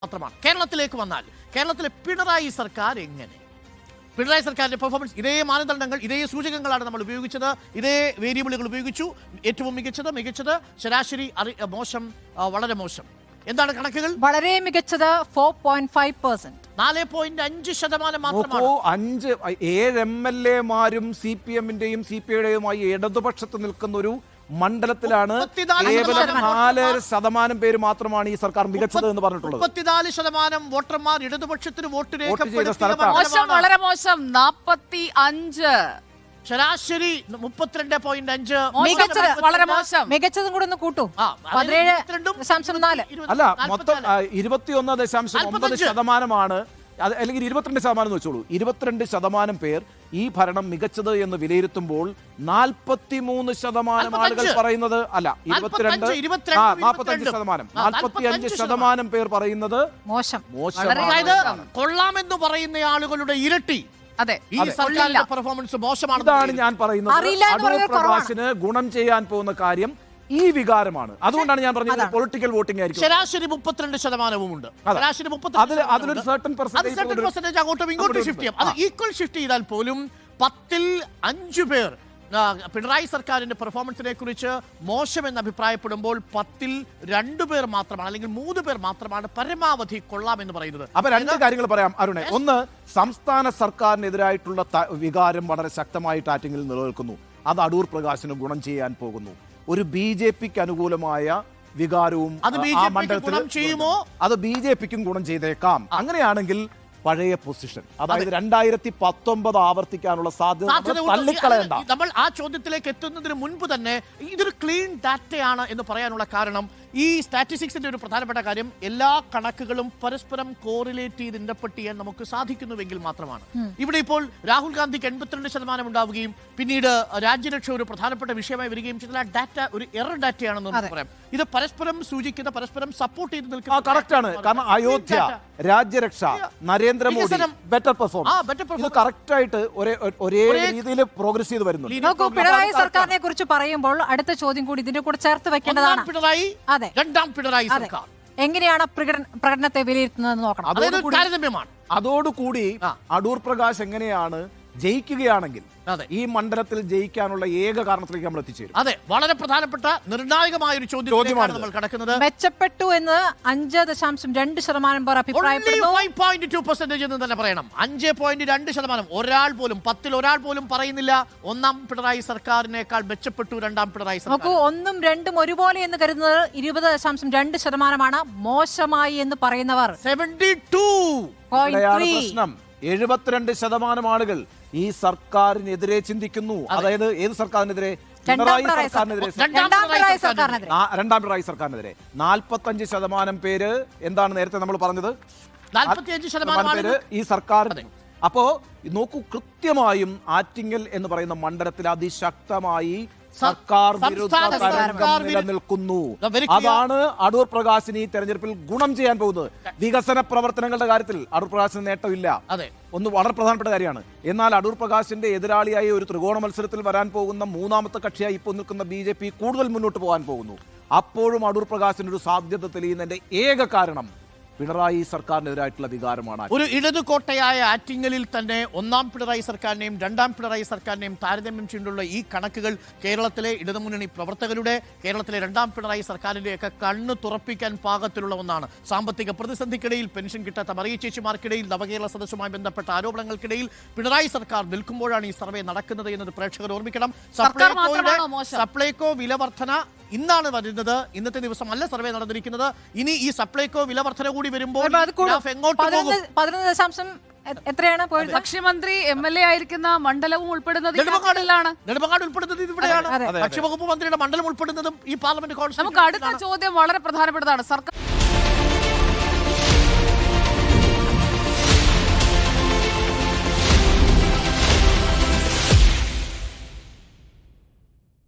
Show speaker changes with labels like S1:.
S1: മാത്രമാണ്. കേരളത്തിലേക്ക് വന്നാൽ കേരളത്തിലെ പിണറായി സർക്കാർ എങ്ങനെ? പിണറായി സർക്കാരിന്റെ പെർഫോമൻസ് ഇതേ മാനദണ്ഡങ്ങൾ, ഇതേ സൂചകങ്ങളാണ് നമ്മൾ ഉപയോഗിച്ചത്, ഇതേ വേരിയബിളുകൾ ഉപയോഗിച്ചു. ഏറ്റവും മികച്ചത്, ശരാശരി മോശം, വളരെ മോശം. എന്താണ് കണക്കുകൾ?
S2: വളരെ മികച്ചത് 4.5%,
S1: 4.5% മാത്രമാണ്.
S3: 7 MLA മാരും CPM-ന്റെയും CPI-യുടെയുമായി ഇടതുപക്ഷത്ത് നിൽക്കുന്ന ഒരു മണ്ഡലത്തിലാണ് കേവലം 4% പേര് മാത്രമാണ് ഈ സർക്കാർ മികച്ചത് എന്ന് പറഞ്ഞിട്ടുള്ളത്.
S1: 34% വോട്ടർമാർ ഇടതുപക്ഷത്തിന് വോട്ട്
S2: മോശം, വളരെ മോശം 45%,
S1: ശരാശരി 32.5.
S2: മികച്ചത് വളരെ മോശം, മികച്ചതും കൂടെ ഒന്ന് കൂട്ടൂ. 17.4.
S3: അല്ല, മൊത്തം 21.9%. അല്ലെങ്കിൽ 22% എന്ന് വെച്ചോളൂ. 22% പേർ ഈ ഭരണം മികച്ചത് എന്ന് വിലയിരുത്തുമ്പോൾ 43% ആളുകൾ പറയുന്നത് അല്ല, 45% പേർ പറയുന്നത്
S2: മോശം.
S1: അതായത് കൊള്ളാമെന്ന് പറയുന്ന ആളുകളുടെ ഇരട്ടി.
S2: അതെ,
S1: ഈ സർക്കാരിന്റെ പെർഫോമൻസ് മോശമാണ്.
S3: ഇതാണ് ഞാൻ പറയുന്നത്. അടൂർ പ്രകാശിന് ഗുണം ചെയ്യാൻ പോകുന്ന കാര്യം ഈ വികാരമാണ്. അതുകൊണ്ടാണ് ഞാൻ പറഞ്ഞത് പൊളിറ്റിക്കൽ വോട്ടിംഗ് ആയിരിക്കും.
S1: ശരാശരി 32% ഉണ്ട്.
S3: അതിലൊരു സർട്ടൻ പെർസെന്റേജ്
S1: അങ്ങോട്ടും ഇങ്ങോട്ടും ഷിഫ്റ്റ് ചെയ്യാം. അത് ഈക്വൽ ഷിഫ്റ്റ് ചെയ്താൽ പോലും 10ൽ 5 പേർ പിണറായി സർക്കാരിന്റെ പെർഫോമൻസിനെ കുറിച്ച് മോശമെന്ന് അഭിപ്രായപ്പെടുമ്പോൾ 10ൽ 2 പേർ മാത്രമാണ്, അല്ലെങ്കിൽ 3 പേർ മാത്രമാണ് പരമാവധി കൊള്ളാമെന്ന് പറയുന്നത്.
S3: അപ്പൊ രണ്ട് കാര്യങ്ങൾ പറയാം അരുണെ. ഒന്ന്, സംസ്ഥാന സർക്കാരിനെതിരായിട്ടുള്ള വികാരം വളരെ ശക്തമായിട്ട് ആറ്റിങ്ങിൽ നിലനിൽക്കുന്നു. അത് അടൂർ പ്രകാശിന് ഗുണം ചെയ്യാൻ പോകുന്നു. ഒരു BJP-ക്ക് അനുകൂലമായ വികാരവും
S1: അത്
S3: BJP-ക്കും ഗുണം ചെയ്തേക്കാം. അങ്ങനെയാണെങ്കിൽ പഴയ പൊസിഷൻ, അതായത് 2019 ആവർത്തിക്കാനുള്ള സാധ്യത തള്ളിക്കളയണ്ട.
S1: നമ്മൾ ആ ചോദ്യത്തിലേക്ക് എത്തുന്നതിന് മുൻപ് തന്നെ ഇതൊരു ക്ലീൻ ഡാറ്റയാണ് എന്ന് പറയാനുള്ള കാരണം, ഈ സ്റ്റാറ്റിസ്റ്റിക്സിന്റെ ഒരു പ്രധാനപ്പെട്ട കാര്യം, എല്ലാ കണക്കുകളും പരസ്പരം കോറിലേറ്റ് ചെയ്ത് ഇൻറ്റർപ്രറ്റ് ചെയ്യാൻ നമുക്ക് സാധിക്കുന്നുവെങ്കിൽ മാത്രമാണ്. ഇവിടെ ഇപ്പോൾ രാഹുൽ ഗാന്ധിക്ക് 82% ഉണ്ടാവുകയും പിന്നീട് രാജ്യരക്ഷ ഒരു പ്രധാനപ്പെട്ട വിഷയമായി വരികയും ചെയ്താൽ ആ ഡാറ്റ ഒരു എറർ ഡാറ്റയാണെന്ന് നമുക്ക് പറയാം. ഇത് പരസ്പരം സൂചിക്കുന്ന, പരസ്പരം സപ്പോർട്ട് ചെയ്ത് നിൽക്കുന്ന
S3: കറക്റ്റാണ്. കാരണം അയോധ്യ, രാജ്യരക്ഷ, നരേന്ദ്രമോദി, ബെറ്റർ പെർഫോമൻസ് കറക്റ്റ് ആയിട്ട് ഒരേ രീതിയിൽ പ്രോഗ്രസ് ചെയ്ത് വരുന്നു.
S2: പിണറായി സർക്കാരിനെ കുറിച്ച് പറയുമ്പോൾ അടുത്ത ചോദ്യം കൂടി ഇതിന്റെ കൂടെ ചേർത്ത് വെക്കേണ്ടതാണ്.
S1: പിണറായി, രണ്ടാം പിണറായി സർക്കാർ
S2: എങ്ങനെയാണ് പ്രകടനത്തെ വിലയിരുത്തുന്നത് നോക്കണം.
S3: അതോടുകൂടി അടൂർ പ്രകാശ് എങ്ങനെയാണ് ജയിക്കുകയാണെങ്കിൽ ഈ മണ്ഡലത്തിൽ ജയിക്കാനുള്ള ഏക കാരണത്തിലേക്ക് നമ്മൾ എത്തിച്ചേരും.
S1: അതെ, വളരെ പ്രധാനപ്പെട്ട നിർണായകമായ ഒരു ചോദ്യമാണ് നമ്മൾ കടക്കുന്നത്.
S2: മെച്ചപ്പെട്ടു എന്ന് 5.2% പേർ അഭിപ്രായപ്പെടുന്നു.
S1: 5.2% എന്ന് തന്നെ പറയണം. 5.2%. ഒരാൾ പോലും, 10ൽ ഒരാൾ പോലും പറയുന്നില്ല ഒന്നാം പിണറായി സർക്കാരിനേക്കാൾ മെച്ചപ്പെട്ടു രണ്ടാം പിണറായി സർക്കാർ.
S2: നോക്കൂ, 1ഉം 2ഉം ഒരുപോലെ എന്ന് കരുതുന്നത് 20.2%. മോശമായി എന്ന് പറയുന്നവർ
S1: 72.3%.
S3: 72% ആളുകൾ ഈ സർക്കാരിനെതിരെ ചിന്തിക്കുന്നു. അതായത് ഏത് സർക്കാരിനെതിരെ? പിണറായി സർക്കാരിനെതിരെ, രണ്ടാം പിണറായി സർക്കാരിനെതിരെ. 45% പേര് എന്താണ് നേരത്തെ നമ്മൾ പറഞ്ഞത്?
S1: 45%
S3: പേര് ഈ സർക്കാരിന്. അപ്പോ നോക്കൂ, കൃത്യമായും ആറ്റിങ്ങൽ എന്ന് പറയുന്ന മണ്ഡലത്തിൽ അതിശക്തമായി സർക്കാർ വിരുദ്ധ തരംഗം നിലനിൽക്കുന്നു. അതാണ് അടൂർ പ്രകാശിന് ഈ തെരഞ്ഞെടുപ്പിൽ ഗുണം ചെയ്യാൻ പോകുന്നത്. വികസന പ്രവർത്തനങ്ങളുടെ കാര്യത്തിൽ അടൂർ പ്രകാശിന് നേട്ടമില്ല, ഒന്ന് വളരെ പ്രധാനപ്പെട്ട കാര്യമാണ്. എന്നാൽ അടൂർ പ്രകാശിന്റെ എതിരാളിയായി ഒരു ത്രികോണ മത്സരത്തിൽ വരാൻ പോകുന്ന മൂന്നാമത്തെ കക്ഷിയായി ഇപ്പോൾ നിൽക്കുന്ന BJP കൂടുതൽ മുന്നോട്ട് പോകാൻ പോകുന്നു. അപ്പോഴും അടൂർ പ്രകാശിന് ഒരു സാധ്യത തെളിയുന്നതിന്റെ ഏക കാരണം പിണറായി സർക്കാരിനെതിരായിട്ടുള്ള വികാരമാണ്.
S1: ഒരു ഇടതുകോട്ടയായ ആറ്റിങ്ങലിൽ തന്നെ ഒന്നാം പിണറായി സർക്കാരിനെയും രണ്ടാം പിണറായി സർക്കാരിനെയും താരതമ്യം ചെയ്തുള്ള ഈ കണക്കുകൾ കേരളത്തിലെ ഇടതുമുന്നണി പ്രവർത്തകരുടെ, കേരളത്തിലെ രണ്ടാം പിണറായി സർക്കാരിന്റെയൊക്കെ കണ്ണ് തുറപ്പിക്കാൻ പാകത്തിലുള്ള ഒന്നാണ്. സാമ്പത്തിക പ്രതിസന്ധിക്കിടയിൽ, പെൻഷൻ കിട്ടാത്ത മറിയ ചേച്ചിമാർക്കിടയിൽ, നവകേരള സദസ്സുമായി ബന്ധപ്പെട്ട ആരോപണങ്ങൾക്കിടയിൽ പിണറായി സർക്കാർ നിൽക്കുമ്പോഴാണ് ഈ സർവേ നടക്കുന്നത് എന്നത് പ്രേക്ഷകർ ഓർമ്മിക്കണം. സപ്ലൈകോ വിലവർധന ഇന്നാണ് വരുന്നത്. ഇന്നത്തെ ദിവസമല്ല സർവേ നടന്നിരിക്കുന്നത്. ഇനി ഈ സപ്ലൈകോ വിലവർധന കൂടി വരുമ്പോൾ
S2: എത്രയാണ്?
S4: ഭക്ഷ്യമന്ത്രി MLA ആയിരിക്കുന്ന മണ്ഡലവും ഉൾപ്പെടുന്നത്
S1: നെടുമങ്ങാട് ഉൾപ്പെടുന്നത് ഇവിടെയാണ്. ഭക്ഷ്യവകുപ്പ് മന്ത്രിയുടെ മണ്ഡലം ഉൾപ്പെടുന്നതും ഈ പാർലമെന്റ് കോൺസ്റ്റിറ്റ്യൂഷൻ.
S4: നമുക്ക് അടുത്ത ചോദ്യം വളരെ പ്രധാനപ്പെട്ടതാണ്. സർക്കാർ